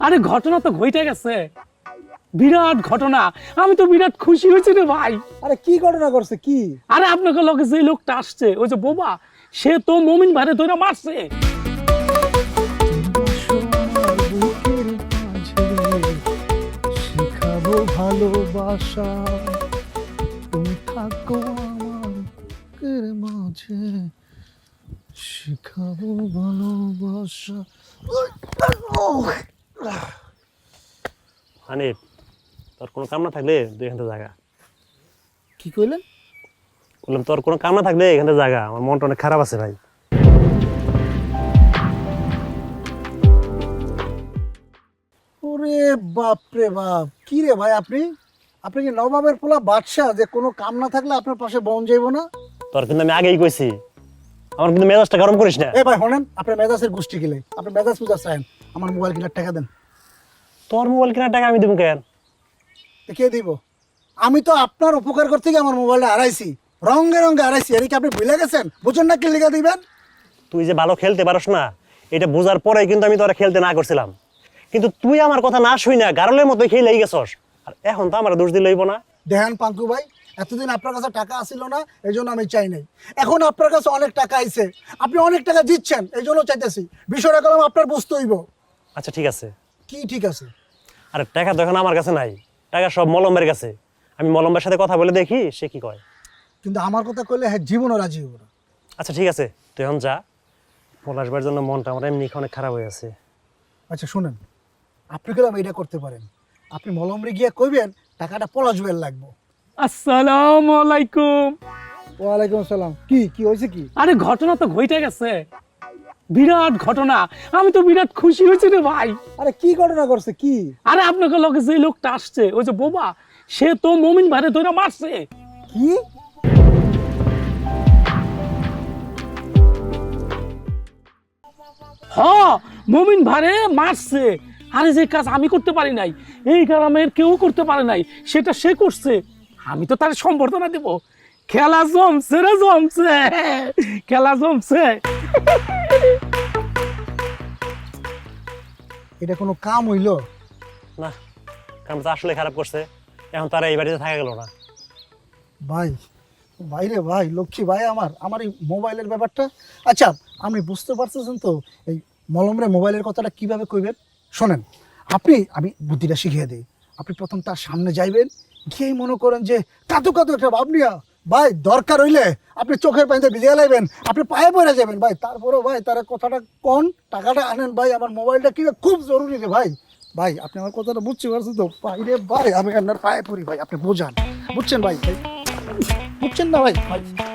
আরে ঘটনা তো ঘটে গেছে, বিরাট ঘটনা। আমি তো বিরাট খুশি হয়েছি রে ভাই। আরে কি ঘটনা করছে কি? আরে আপনাকে লগে যে লোকটা আসছে, ওই যে বোবা, সে তো মমিন ভাইরে ধরে মারছে। বুকের মাঝে শিখাবো ভালোবাসা, তুমি থাকো আমার বুকের মাঝে শিখাবো ভালোবাসা। হানিফ, তোর কোনো কাম না থাকলে তুই এখান থেকে জাগা। কি কইলেন? বললাম তোর কোনো কাম না থাকলে এখান থেকে জাগা, আমার মনটা অনেক খারাপ আছে ভাই। ওরে বাপ রে বাপ, কি রে ভাই আপনি আপনি কি নবাবের পোলা বাদশা যে কোনো কাম না থাকলে আপনার পাশে বন যাইব না? তোর কিন্তু আমি আগেই কইছি, আমার কিন্তু মেজাজটা গরম করিস না। এ ভাই শোনেন, আপনার মেজাজের গোষ্ঠী গেলে আপনি মেজাজ পূজা চান, আমার মোবাইল কেনার টাকা দেন। তোর মোবাইল কেনার টাকা আমি দেবো কেন? তো কে দিব? আমি তো আপনার উপকার করতে গিয়ে আমার মোবাইলটা হারাইছি, রঙে রঙে হারাইছি। এর কি আপনি ভুলে গেছেন? বুঝুন না কি লিখা দিবেন? তুই যে ভালো খেলতে পারস না, এটা বোঝার পরে কিন্তু আমি তোরা খেলতে না করছিলাম, কিন্তু তুই আমার কথা না শুই না গারলের মতো খেলেই গেছস। আর এখন তো আমার দোষ দিলে হইব না। দেখেন পাঙ্কু ভাই, এতদিন আপনার কাছে টাকা আসিল না, এই জন্য আমি চাই নাই। এখন আপনার কাছে অনেক টাকা আইছে, আপনি অনেক টাকা দিচ্ছেন, এই জন্য চাইতেছি। বিষয়টা কলম আপনার বুঝতে হইব। আচ্ছা ঠিক আছে। কি ঠিক আছে? আরে টাকা তো এখন আমার কাছে নাই, টাকা সব মলম্বের কাছে। আমি মলম্বের সাথে কথা বলে দেখি সে কি কয়। কিন্তু আমার কথা কইলে হ্যাঁ জীবনও রাজি হইব না। আচ্ছা ঠিক আছে, তুই এখন যা। পলাশবার জন্য মনটা আমার এমনি অনেক খারাপ হয়ে আছে। আচ্ছা শুনেন, আপনি গেলাম এটা করতে পারেন, আপনি মলমরে গিয়ে কইবেন টাকাটা পলাশবেল লাগবো। আসসালামু আলাইকুম। ওয়ালাইকুম আসসালাম। কি কি হয়েছে কি? আরে ঘটনা তো ঘটে গেছে, বিরাট ঘটনা। আমি তো বিরাট খুশি হয়েছি রে ভাই। আরে কি ঘটনা করছে কি? আরে আপনাকে লগে যে লোকটা আসছে, ওই যে বোবা, সে তো মমিন ভাইরে ধরে মারছে। কি? হ্যাঁ, মমিন ভাইরে মারছে। আরে যে কাজ আমি করতে পারি নাই, এই গ্রামের কেউ করতে পারে নাই, সেটা সে করছে। আমি তো তার সম্বর্ধনা দেব। খেলা জমছে রে, জমছে, খেলা জমছে। এটা কোনো কাম হইলো? না, কারণ তো আসলে খারাপ করছে। এখন তারা এই বাড়িতে থাকা গেল না। ভাই, ভাইরে ভাই, লক্ষ্মী ভাই আমার আমার এই মোবাইলের ব্যাপারটা। আচ্ছা, আপনি বুঝতে পারতেছেন তো এই মলমরে মোবাইলের কথাটা কিভাবে কইবেন? শোনেন, আমি বুদ্ধিটা শিখিয়ে দিই। আপনি প্রথম তার সামনে যাইবেন, গিয়েই মনে করেন যে কাতু কাতু একটা ভাব নিয়া, ভাই দরকার হইলে আপনি চোখের পানিতে ভিজিয়ে লাইবেন, আপনি পায়ে পড়ে যাবেন ভাই। তারপরেও ভাই তার কথাটা কোন টাকাটা আনেন ভাই, আমার মোবাইলটা কিনে খুব জরুরি রে ভাই। ভাই আপনি আমার কথাটা বুঝতে পারছেন তো? ভাই রে ভাই, আমি আপনার পায়ে পড়ি ভাই, আপনি বোঝান। বুঝছেন ভাই? ভাই বুঝছেন না ভাই? ভাই